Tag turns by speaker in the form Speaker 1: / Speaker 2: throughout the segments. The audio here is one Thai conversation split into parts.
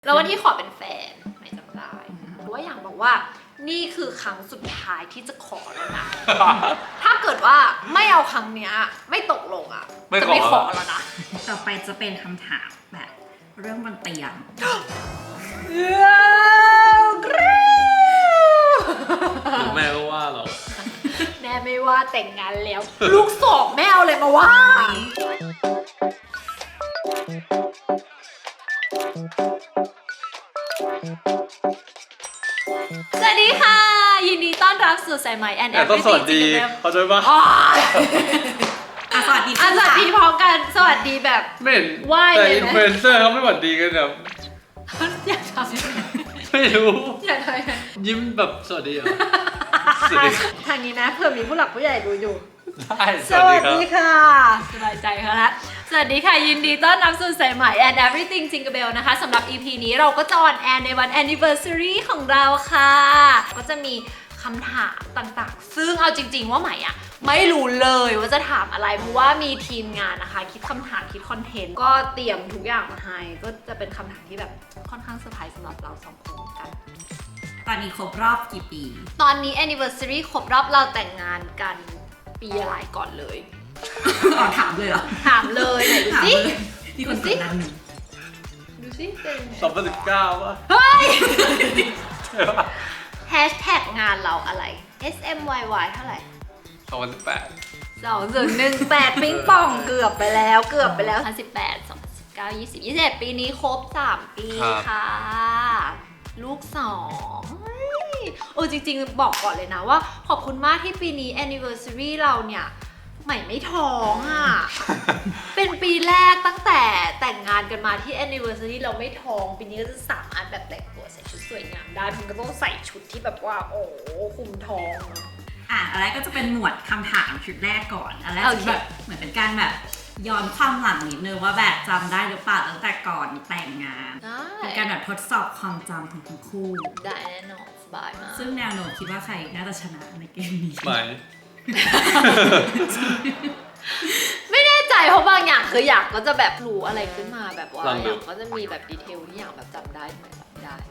Speaker 1: แล้ววันที่ขอเป็นแฟนไม่จำได้เพราะว่าอย่างบอกว่านี่คือครั้งสุดท้ายที่จะขอแล้วนะ ถ้าเกิดว่าไม่เอาครั้งเนี้ยไม่ตกลงอ่ะจะไม่ขอแล้วนะ
Speaker 2: ต่อไปจะเป็นคำถามแบบเรื่องบนเตียง
Speaker 3: แม่ก็ว่าเรา
Speaker 1: แม่ไม่ว่าแต่งงานแล้วลูกสองแม่เอาเลยมาว่าสวัสดีค่ะยินดีต้อนรับสู่สายไหมแอนแอน
Speaker 3: ต้องสวัสดีเขาใจปะ
Speaker 2: สวัสดี
Speaker 1: สวัสดีพร้อมกันสวัสดีแบบ
Speaker 3: ไม่เห็น
Speaker 1: ไหว้เลย
Speaker 3: แต่อินฟลูเอนเซอร์เขาไม่สวัสดีกันแบบ
Speaker 1: อยากทำยังไง
Speaker 3: ไม่รู้
Speaker 1: อยากทำยังไง
Speaker 3: ยิ้มแบบสวัสดีเหรอ
Speaker 1: ทางนี้นะเผื่อมีผู้หลักผู้ใหญ่ดูอยู่
Speaker 3: สวัสดี
Speaker 1: ค่ะสบายใจค่ะละสวัสดีค่ะยินดีต้อนรับสู่สายไหม and everything Jingle Bell นะคะสำหรับ EP นี้เราก็จะออนแอร์ในวัน anniversary ของเราค่ะก็จะมีคำถามต่างๆซึ่งเอาจริงๆว่าใหม่อะไม่รู้เลยว่าจะถามอะไรเพราะว่ามีทีมงานนะคะคิดคำถามคิดคอนเทนต์ก็เตรียมทุกอย่างมาให้ก็จะเป็นคำถามที่แบบค่อนข้างเซอร์ไพรส์สำหรับเราสองคนกัน
Speaker 2: ตอนนี้ครบรอบกี่ปี
Speaker 1: ตอนนี้ anniversary ครบรอบเราแต่งงานกันปีอะไรก่อนเลย
Speaker 2: ถามเลยเหรอ
Speaker 1: ถามเลยไหนดูสิ
Speaker 2: มีคนติดนั้น
Speaker 1: ดูสิเป็น
Speaker 3: 2019ป่ะ
Speaker 1: เฮ้ยแฮชแท็กงานเราอะไร SMYY เท่าไหร่
Speaker 3: 2018
Speaker 1: 2018ปิ๊งป่องเกือบไปแล้ว2018 2019 20 21ปีนี้ครบ3ปีค่ะลูก2จริงๆบอกก่อนเลยนะว่าขอบคุณมากที่ปีนี้ anniversary เราเนี่ยใหม่ไม่ท้องอ่ะ เป็นปีแรกตั้งแต่แต่งงานกันมาที่ anniversary เราไม่ท้องปีนี้ก็จะสามารถแบบแต่งตัวใส่ชุดสวยงามได้มันก็ต้องใส่ชุดที่แบบว่าโอ้คุมท้อง
Speaker 2: อันแรกก็จะเป็นหมวดคำถามชุดแรกก่อนอันแรกแบบเหมือนเป็นการแบบย้อนความหลังนิดนึงว่าแบบจำได้หรือเปล่าตั้งแต่ก่อนแต่งงานเป็นการแบบทดสอบความจำของทั้งคู่
Speaker 1: ได้แน่นอนสบายมาก
Speaker 2: ซึ่งแนวโน้มคิดว่าใครน่าจะชนะในเกมนี้
Speaker 1: ไม่แน่ใจเพราะบางอย่างคืออยากก็จะแบบรู้อะไรขึ้นมาแบบว่าอยากก็จะมีแบบดีเทลที่อยากแบบจำได้ไหมจำได้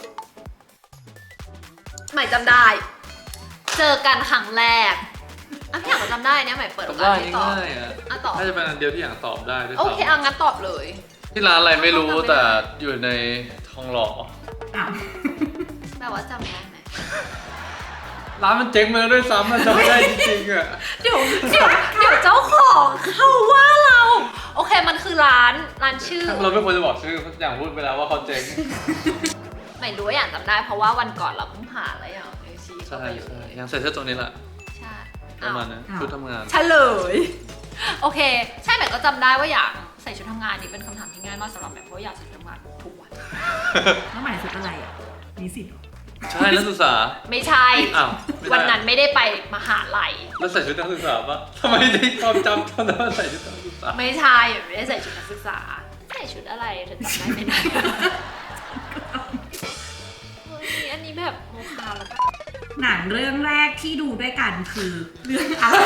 Speaker 1: ใหม่จำได้เจอกันครั้งแรกพี่อยากจำได้เนี่ยใหม่เปิดโอกาสให้ตอบตอบ
Speaker 3: น่าจะเป็นอันเดียวที่อยากตอบได้ด้วย
Speaker 1: โอเคงั้นตอบเลย
Speaker 3: ที่ร้านอะไรไม่รู้แต่อยู่ในทองหล่อ
Speaker 1: แปลว่าจำได้ไหม
Speaker 3: ร้านมันเจ๊งมาแล้วด้วยซ้ำมันจำได้จริงๆอ่ะ
Speaker 1: เดี๋ยวเจ้าของเขาว่าเราโอเคมันคือร้านชื่อ
Speaker 3: เราไม่ควรจะบอกชื่ออย่างพูดไปแล้วว่าเขาเจ๊ง
Speaker 1: ไม่รู้อย่างจำได้เพราะว่าวันก่อนเราเพิ่งผ่านแล้วอย่างชี้
Speaker 3: ใช่ยังใส่เสื้อตัวนี้แหละ
Speaker 1: ใช่
Speaker 3: ประมาณนั้นชุดทำงาน
Speaker 1: เฉลยโอเคใช่แต่ก็จำได้ว่าอยากใส่ชุดทำงานนี่เป็นคำถามที่ง่ายมากสำหรับแม่เพราะอยากใส่ชุดทำงานทุกวัน
Speaker 2: แล้วหมายชุดอะไรอ่ะนิสิต
Speaker 3: ใช่นักศึกษา
Speaker 1: ไม่ใช่วันนั้นไม่ได้ไปมหาลัย
Speaker 3: แล้วใส่ชุดนักศึกษาปะทำไมได้ความจำตอนนั้นใส่ชุดนักศึกษา
Speaker 1: ไม่ใช่ไม่ได้ใส่ชุดนักศึกษาใส่ชุดอะไรเธอจำได้ไม่ได้อันนี้แบบโมคาแล้วก็
Speaker 2: หนังเรื่องแรกที่ดูด้วยกันคือเรื่องอะไร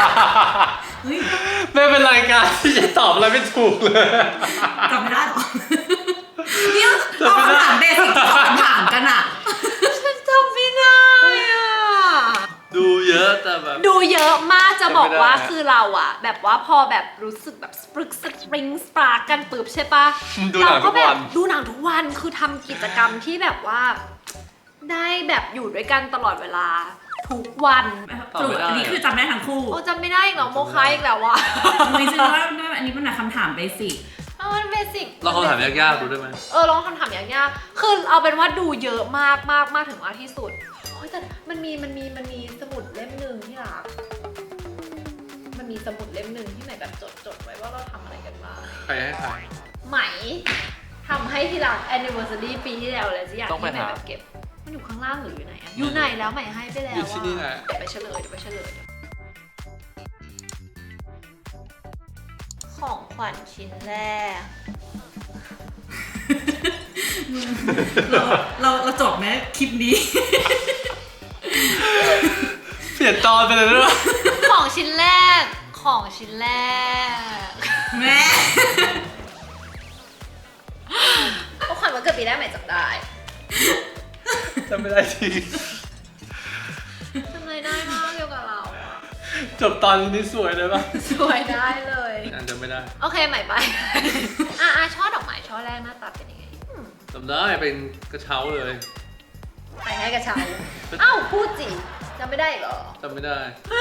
Speaker 3: ไม่เป็นรายการที่จะตอบอะไรไม่ถูกเลย
Speaker 2: จำไม่ได้หรอเนี่ยเราคำถามเบสิกที่เขาถามกันอ่ะ
Speaker 1: ฉันจำไม่ได้อ่ะ
Speaker 3: ดูเยอะแต่แบบ
Speaker 1: ดูเยอะมากจะบอกว่าคือเราอ่ะแบบว่าพอแบบรู้สึกแบบสปริงสปาร์กกันปึ๊บใช่ปะเราก็แบบดูหนังทุกวันคือทำกิจกรรมที่แบบว่าได้แบบอยู่ด้วยกันตลอดเวลาทุกวัน
Speaker 2: อันนี้คือจำได้ทั้งคู่
Speaker 1: จำไม่ได้อีกเหรอโมคายอีกแล้ววะ
Speaker 2: ไม่ใช่ว่าอันนี้เป็นคำถามเบสิก
Speaker 1: มันเบสิก
Speaker 3: ลองคำถามยากๆดูได้ไหม
Speaker 1: ลองคำถามยากๆคือเอาเป็นว่าดูเยอะมากถึงมากที่สุดแต่มันมีสมุดเล่มหนึ่งที่รักมันมีสมุดเล่มหนึ่งที่ไหนแบบจดไว้ว่าเราทำอะไรกันบ้าง
Speaker 3: ใครให้ใคร
Speaker 1: ไหมทำให้ที่รัก anniversary ปีที่แล้วอะไรสักอย่างที่ไหนแบบเก็บมันอยู่ข้างล่างหรืออยู่ไหนอะอยู่ไหนแล้วใหม่ให้ไปแล้ว
Speaker 3: อยู่ที่นี่แหละ
Speaker 1: เดี๋ยวไปเฉลยของขวัญชิ้นแรก
Speaker 2: เราจบไหมคลิปนี้
Speaker 3: เปลี่ยนตอนไปเลยด้วย
Speaker 1: ของชิ้นแรกแม่ของขวัญวันเกิดปีแรกใหม่จำได้
Speaker 3: จำไม่ได้จริง
Speaker 1: จำอะไรได้มากเกี่ยวกับเราอะ
Speaker 3: จบตอนนี้สวยเลยปะ
Speaker 1: สวยได้เลย
Speaker 3: จำไม่ได้
Speaker 1: โอเคใหม่ไป ช่อดอกไม้ช่อแรกหน้าตาเป็นยังไง
Speaker 3: จำได้เป็นกระเช้าเลย
Speaker 1: ไปให้กระเช้า อ้าวพูดจิจำไม่ได้อีกเหรอ
Speaker 3: จำไม่ได้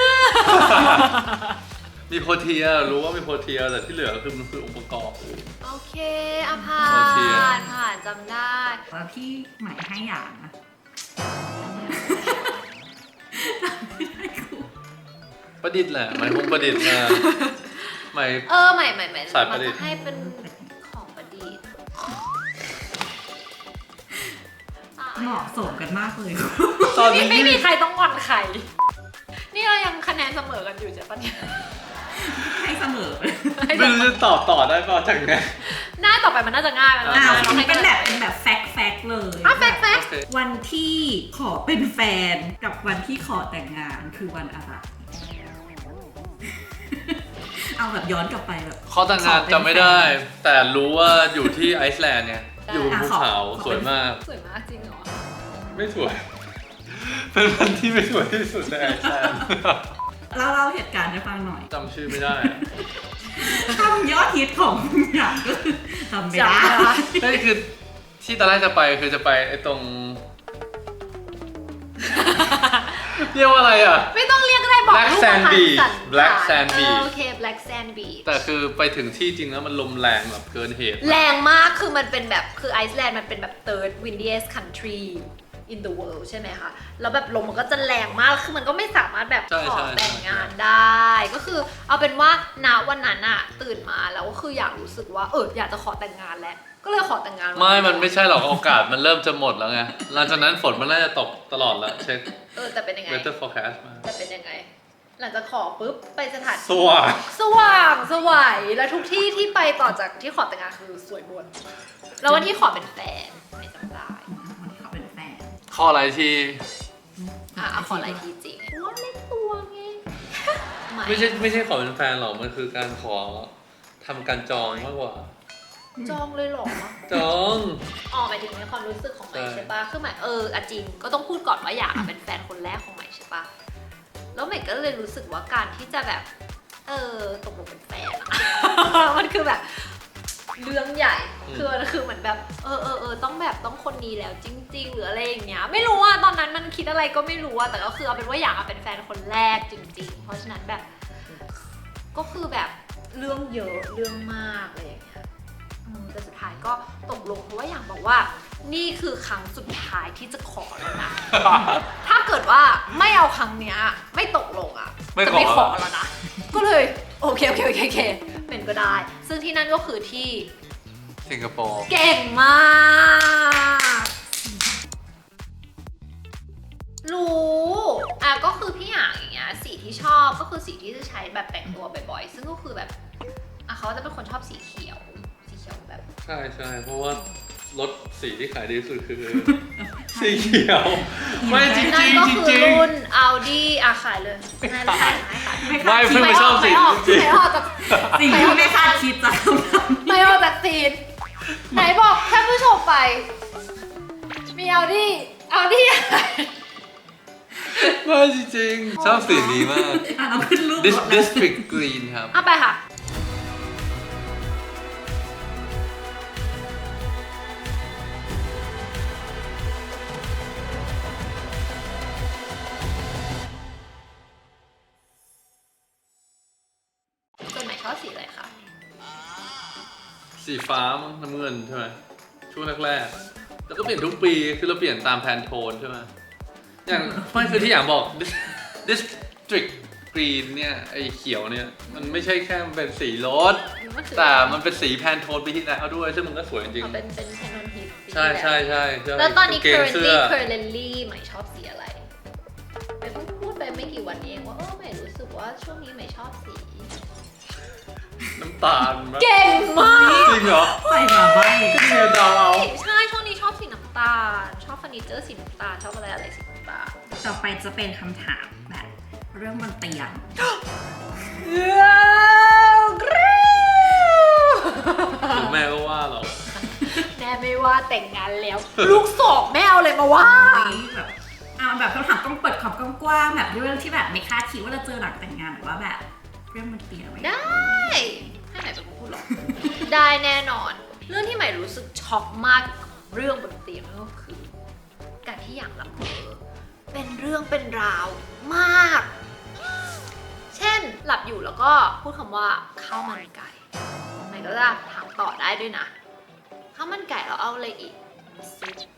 Speaker 3: มีโพเทียรู้ว่ามีโพเทียแต่ที่เหลือคือมันคือองค์ประกอบ
Speaker 1: โอเคอะผ่า
Speaker 3: โอเค
Speaker 1: นผ่านจำได้
Speaker 2: แล้วที่ใหม่ให้อย่างนะ
Speaker 3: ประดิษฐ์แหละหมายคงประดิษฐ์มาหมาย
Speaker 1: ใหม่
Speaker 3: สายประดิษฐ์
Speaker 1: มันจะให้เป็นของประดิษฐ์
Speaker 2: เหมาะสมกันมากเลย
Speaker 3: ตอน
Speaker 1: นี่
Speaker 3: นี้
Speaker 1: ไม่มีใครต้องงอนใคร นี่เรายังคะแนนเสมอกันอยู่ใช่ปะเนี่ย
Speaker 2: ให้เสมอ
Speaker 3: ไม่รู้จะตอบต่อได้เปล่าจากเนี้ย
Speaker 1: หน้าต่อไปมันน่าจะง่ายแล้ว
Speaker 2: อ้าว
Speaker 1: เราให้
Speaker 2: เป็น
Speaker 1: น
Speaker 2: แบบแฟกเลย
Speaker 1: อ่ะแฟก
Speaker 3: โอเค
Speaker 2: วันที่ขอเป็นแฟนกับวันที่ขอแต่งงานคือวันอะไร เอาแบบย้อนกลับไปแบบ
Speaker 3: ข้อแต่งงานจำไม่ได้ แต่รู้ว่าอยู่ที่ไอซ์แลนด์เนี่ยอยู่บนภูเขาสวยมาก
Speaker 1: สวยมากจริงเหรอ
Speaker 3: ไม่สวย เป็นวันที่ไม่สวยที่สุดในไอซ์แลนด์
Speaker 2: เล่าเหตุการณ์ให้ฟังหน่อย
Speaker 3: จำชื่อไม่ได้อะ
Speaker 2: คำยอดฮิตของอย่างก็คือจำไม่ได้
Speaker 3: นี่คือที่ตอนแรกจะไปคือจะไปไอ้ตรง เรียกว่าอะไรอ่ะ
Speaker 1: ไม่ต้องเรียกก็ได้บอก
Speaker 3: Black
Speaker 1: รูป
Speaker 3: Sand
Speaker 1: พรรณ
Speaker 3: Beach
Speaker 1: สันฐาน
Speaker 3: Black Sand Beach
Speaker 1: โอเค Black Sand Beach
Speaker 3: แต่คือไปถึงที่จริงแล้วมันลมแรงแบบเกินเหตุ
Speaker 1: แรงมากคือมันเป็นแบบคือไอซ์แลนด์มันเป็นแบบ third windiest country in the world ใช่ไหมคะแล้วแบบลมมันก็จะแรงมากคือมันก็ไม่สามารถแบบ
Speaker 3: ใช่
Speaker 1: ขอ
Speaker 3: ใช่
Speaker 1: แต่งงานได้ ก็คือเอาเป็นว่าณวันนั้นอะตื่นมาแล้วก็คืออยากรู้สึกว่าอยากจะขอแต่งงานแล้วก็เลยขอแต่งงานวั
Speaker 3: มันไม่ใช่หรอกโอกาสมันเริ่มจะหมดแล้วไง หลังจากนั้นฝนมันน่าจะตกตลอดแล้วเช็ค
Speaker 1: แต่เป็นยังไง
Speaker 3: weather forecast มา
Speaker 1: แต่เป็นยังไง หลังจากขอปุ๊บไปสถาน
Speaker 3: สว่าง
Speaker 1: สว่างสวัยแล้วทุกที่ที่ไปต่อจากที่ขอแต่งงานคือสวยหมดแล้ววันที่ขอเป็นแฟนไม่จำได้
Speaker 2: วันที่เขาเป็นแฟน
Speaker 3: ข้ออะไรที่
Speaker 1: เอาขออะไรทีจริงว่าเล่นตัวไง
Speaker 3: ไม่ใช่ขอเป็นแฟนหรอก มันคือการขอทำการจองมากกว่า
Speaker 1: จองเลยเหรอ
Speaker 3: จอง
Speaker 1: หมายถึงในความรู้สึกของใหม่
Speaker 3: ใช่
Speaker 1: ใช่ปะคือใหม่จริงก็ต้องพูดก่อนว่าอยากเป็นแฟนคนแรกของใหม่ใช่ปะแล้วใหม่ก็เลยรู้สึกว่าการที่จะแบบตกลงเป็นแฟนอะ มันคือแบบเรื่องใหญ่คือเหมือนแบบต้องคนนี้แล้วจริง ๆ หรืออะไรอย่างเงี้ยไม่รู้ว่าตอนนั้นมันคิดอะไรก็ไม่รู้อะแต่ก็คือเอาเป็นว่าอยากเป็นแฟนคนแรกจริง ๆ เพราะฉะนั้นแบบก็คือแบบเรื่องเยอะเรื่องมากอะไรอย่างเงี้ยแต่สุดท้ายก็ตกลงเพราะว่าอยากบอกว่านี่คือครั้งสุดท้ายที่จะขอแล้วนะ ถ้าเกิดว่าไม่เอาครั้งเนี้ยไม่ตกลงอะจะไม่ขอแล้วนะ ก็เลยโอเคเป็นก็ได้ ซึ่งที่นั่นก็คือที่
Speaker 3: สิงคโปร์
Speaker 1: เก่งมากรู้ก็คือพี่อย่างเงี้ยสีที่ชอบก็คือสีที่จะใช้แบบแต่งตัวบ่อยๆซึ่งก็คือแบบเขาจะเป็นคนชอบสีเขียวแบบ
Speaker 3: ใช่เพราะว่ารถสีที่ขายดีที่สุดคือ สีเขียว ไม่จริง
Speaker 1: นั่นก็คือ
Speaker 3: จริง
Speaker 1: รุ่น Audi ขายเลยไม่ขาย
Speaker 3: ไม่เพิ่งไปชอบสีจริง
Speaker 1: ไม่ออกจาก
Speaker 2: สิ่งที่ไม่คาดคิดจะทำ
Speaker 1: ไม่ออกจากซีนไหนบอกท่านผู้ชมไป มี Audi อะไร
Speaker 3: ไม่จริงๆชอบสีนี้มาก
Speaker 2: เราขึ้นรูป
Speaker 3: District Green ครับ
Speaker 1: เอาไปค่ะ ส่วนไหนชอบสีอะไรคะ
Speaker 3: สีฟ้ามั้งน้ำเงินใช่ไหมช่วงแรกๆแล้วก็เปลี่ยนทุกปีคือเราเปลี่ยนตามแพนโทนใช่ไหมอย่างไม่คือที่อย่างบอก District Green เนี่ยไอ้เขียวเนี่ยมันไม่ใช่แค่เป็นสีรถแต่มันเป็นสีแพนโทนปีที่แล้วด้วยซึ่งมันก็สวยจริง
Speaker 1: เป็นแพนนอนฮิต
Speaker 3: ๆใช่
Speaker 1: แล้วตอนนี้
Speaker 3: กางเกงเสื้อ
Speaker 1: currently ใหม่ชอบสีอะไรไปเพิ่งพูดไปไม่กี่วันเองว่าใหม่รู้สึกว่าช่วงนี้ใหม่ชอบสี
Speaker 3: น้ำตาลมั้ย
Speaker 1: เก่งมาก
Speaker 3: จริงเหรอ
Speaker 2: ใส่มาใบ
Speaker 3: ก็เนี่ยเดาเอา
Speaker 1: ใช่ช่วงนี้ชอบสีน้ำตาลชอบเฟอร์นิเจอร์สีน้ำตาลชอบอะไรสีน้ำตาล
Speaker 2: ต่อไปจะเป็นคำถามแบบเรื่องบนเตียง
Speaker 3: ถึงแม่ก็ว่าเรา
Speaker 1: แน่ม่ไม่ว่าแต่งงานแล้ว ลูกสองแม่เอาเลยมาว่า
Speaker 2: แบบแบบคำถามต้องเปิดขอบกว้างๆแบบเรื่องที่แบบไม่คาดคิดว่าจะเจอหลังแต่งงานหรือว่าแบบเรื่องมันเปลี่ยนไป
Speaker 1: ได้ให้ใหม่เป็นคนพูดหรอ ได้แน่นอน เรื่องที่ใหม่รู้สึกช็อกมากเรื่องบนเตียงนั่นก็คือ การที่อย่างละเมอเป็นเรื่องเป็นราวมาก เช่นหลับอยู่แล้วก็พูดคำว่าข้าวมันไก่ใหม่ก็จะถามต่อได้ด้วยนะข้าวมันไก่เราเอาอะไรอีกซุป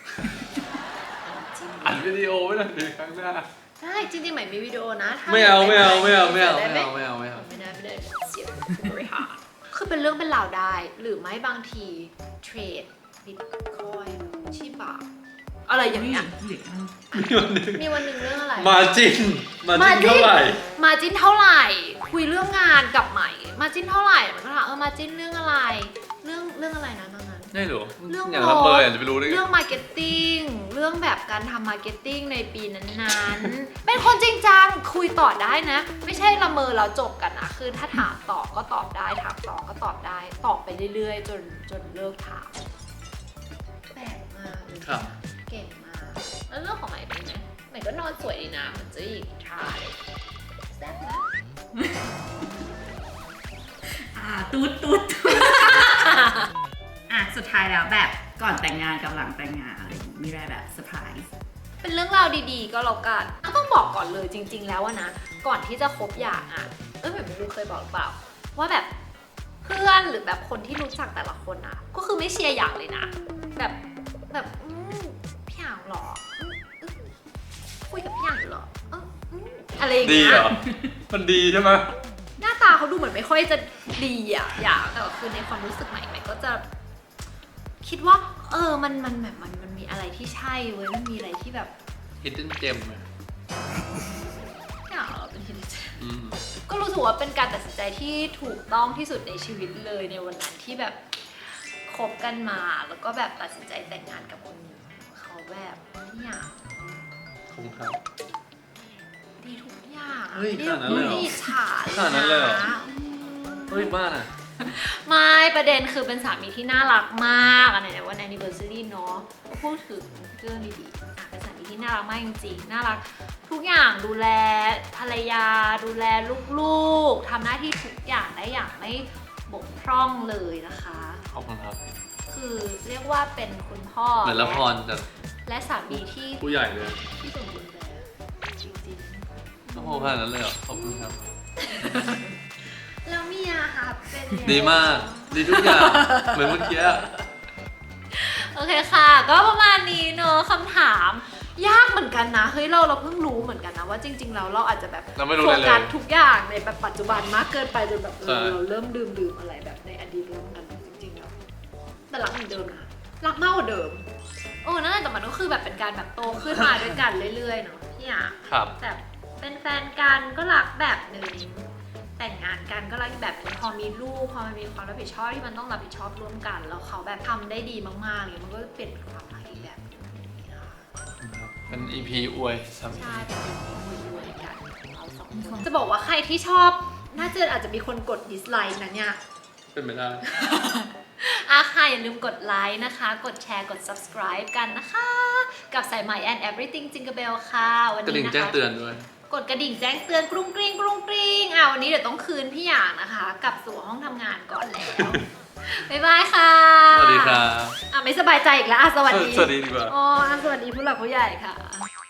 Speaker 3: อัดวิดีโอไว้หน่อยดิครั้งหน้า
Speaker 1: ใช่จริงๆใหม่มีวิดีโอนะถ้า
Speaker 3: ไม่เอา
Speaker 1: ด้ห
Speaker 3: ไม่เอาไม่เอา
Speaker 1: ไม่ได้
Speaker 3: ไม่ได้
Speaker 1: เสียบริหารคือเป็นเรื่องเป็นราวได้ หรือไม่บางทีเทรดบิตคอยชิบะอะไรอย่างเงี้ย มีวันหนึ่งเรื่องอะไร
Speaker 3: มาจินเท่าไหร่
Speaker 1: มาจินเท่าไหร่ คุยเรื่องงานกับใหม่ มาจินเท่าไหร่มันก็ถามมาจินเรื่องอะไร เรื่องอะไรนะตอนนั้น
Speaker 3: ไม่รู้
Speaker 1: เรื่อง
Speaker 3: อย่างละเมออยากจะไปรู้ได้ไง
Speaker 1: เรื่องมาร์เก็ตติ้ง เรื่องแบบการทำมาร์เก็ตติ้งในปีนั้นๆ เป็นคนจริงจังคุยต่อได้นะ ไม่ใช่ละเมอแล้วจบกันนะคือถ้าถามต่อก็ตอบได้ถามต่อก็ตอบได้ตอบไปเรื่อยๆ จนเลิกถามแปลกมากเลย
Speaker 3: ครับ
Speaker 1: เก่งมาก แล้วเรื่องของใหม่เป็นไงใหม่ก็นอนสวยดีนะเหมือนเจะหญิงทายแซ่บนะ
Speaker 2: ตูดสุดท้ายแล้วแบบก่อนแต่งงานกับหลังแต่งงานอะไรอย่างงี้มีอะไรแบบเซอร์ไพรส์
Speaker 1: เป็นเรื่องราวดีๆ ก็แล้วกันก็ต้องบอกก่อนเลยจริง ๆ แล้วอะนะ ก่อนที่จะคบอย่างอะแบบไม่รู้เคยบอกหรือเปล่า ว่าแบบเพื่อนหรือแบบคนที่รู้จักแต่ละคนอะก็คือไม่เชียร์อย่างเลยนะ แบบพี่อย่างเหรอคุยกับพี่อย่างอยู่เหรออะไรอย่าง
Speaker 3: ดี
Speaker 1: เงี้
Speaker 3: เหร
Speaker 1: ย
Speaker 3: อ มันดีใช่ไหม
Speaker 1: หน้าตาเขาดูเหมือนไม่ค่อยจะดีอะอย่างแต่ว่าคือในความรู้สึกใหม่ก็จะ คิดว่ามันแบบมันมีอะไรที่ใช่เว้ยมันมีอะไรที่แบบ
Speaker 3: hidden gem
Speaker 1: อยากเราเป็นฮินเจ
Speaker 3: อืม
Speaker 1: ก็รู้สึกว่าเป็นการตัดสินใจที่ถูกต้องที่สุดในชีวิตเลยในวันนั้นที่แบบคบกันมาแล้วก็แบบตัดสินใจแต่งงานกับคนเขาแบบอยาก
Speaker 3: ขอบคุณครับ
Speaker 1: ดีทุกอย่าง
Speaker 3: เฮ้ยขนาดนั้นเลยเหรอ
Speaker 1: ไม่อิจฉา
Speaker 3: ขนาดนั้นเลยเหรอ
Speaker 1: นะ
Speaker 3: เฮ้ยบ้านอ่ะ
Speaker 1: ไม่ประเด็นคือเป็นสามีที่น่ารักมากอันไหนในวัน anniversary เนาะก็พูดถึงเรื่องดีๆเป็นสามีที่น่ารักมากจริงๆน่ารักทุกอย่างดูแลภรรยาดูแลลูกๆทำหน้าที่ทุกอย่างได้อย่างไม่บกพร่องเลยนะคะ
Speaker 3: ขอบคุณครับ
Speaker 1: คือเรียกว่าเป็นคุณพ่อ
Speaker 3: เหมือนละครจาก
Speaker 1: และสามีที่
Speaker 3: ผู้ใหญ่เลย
Speaker 1: สมบูรณ์แบบจริง
Speaker 3: โอ้โหขนาดนั้นเลยเหรอ ขอบคุณครับ
Speaker 1: ๆแล้วเมียค่ะเป็นไง
Speaker 3: ดีมาก ดีทุกอย่าง เหมือนเมื่อกี้อะ
Speaker 1: โอเคค่ะ ก็ประมาณนี้เนอะคำถามยากเหมือนกันนะเฮ้ยเราเพิ่งรู้เหมือนกันนะว่าจริง ๆ แล้วเราอาจจะแบบ
Speaker 3: เราไม่รู้
Speaker 1: โฟ
Speaker 3: เลยเลย
Speaker 1: กัสทุกอย่างในแบบปัจจุบันมากเกินไปจนแบบ
Speaker 3: ใช่
Speaker 1: เราเริ่มดื่มอะไรแบบในอดีตเรื่องนั้นจริงๆแล้วแต่รักเหมือนเดิมนะรักมากกว่าเดิมนั่นแหละแต่มันก็คือแบบเป็นการแบบโตขึ้นมาด้วยกันเรื่อยๆเนาะพี่อ่ะ
Speaker 3: ครับ
Speaker 1: แบบเป็นแฟนกันก็รักแบบหนึ่งแต่งงานกันก็รักอีกแบบหนึงพอมีลูกพอมันมีความรับผิดชอบที่มันต้องรับผิดชอบร่วมกันแล้วเขาแบบทำได้ดีมากๆเลยมันก็เปลี่ยนเป็นความรักอีกแบบหนึงนะคะ
Speaker 3: เป็น EP อวยสามี
Speaker 1: ใช่เป็นทีมรวยๆกันเราสองคนจะบอกว่าใครที่ชอบน่าจะอาจจะมีคนกดดิสไลค์นะเนี่ย
Speaker 3: เป็นไปได้
Speaker 1: ค่ะอย่าลืมกดไลค์นะคะ กดแชร์กด subscribe กันนะคะ กับสายใหม่ and everything Jingle Bell ค่ะวัน
Speaker 3: กระ
Speaker 1: นี้
Speaker 3: ดิ่ง
Speaker 1: นะคะ
Speaker 3: แจ้งเตือนด้วย
Speaker 1: กดกระดิ่งแจ้งเตือนกรุ้งกริ้งกรุ้งกริ้งวันนี้เดี๋ยวต้องคืนพี่หยางนะคะ กลับสู่ห้องทำงานก่อนแล้ว บ๊ายบายค่ะ
Speaker 3: สวัสดีครับ
Speaker 1: ไม่สบายใจอีกแล้วสวัสดี
Speaker 3: สวัสดีดีกว่า
Speaker 1: สวัสดีผู้หลักผู้ใหญ่ค่ะ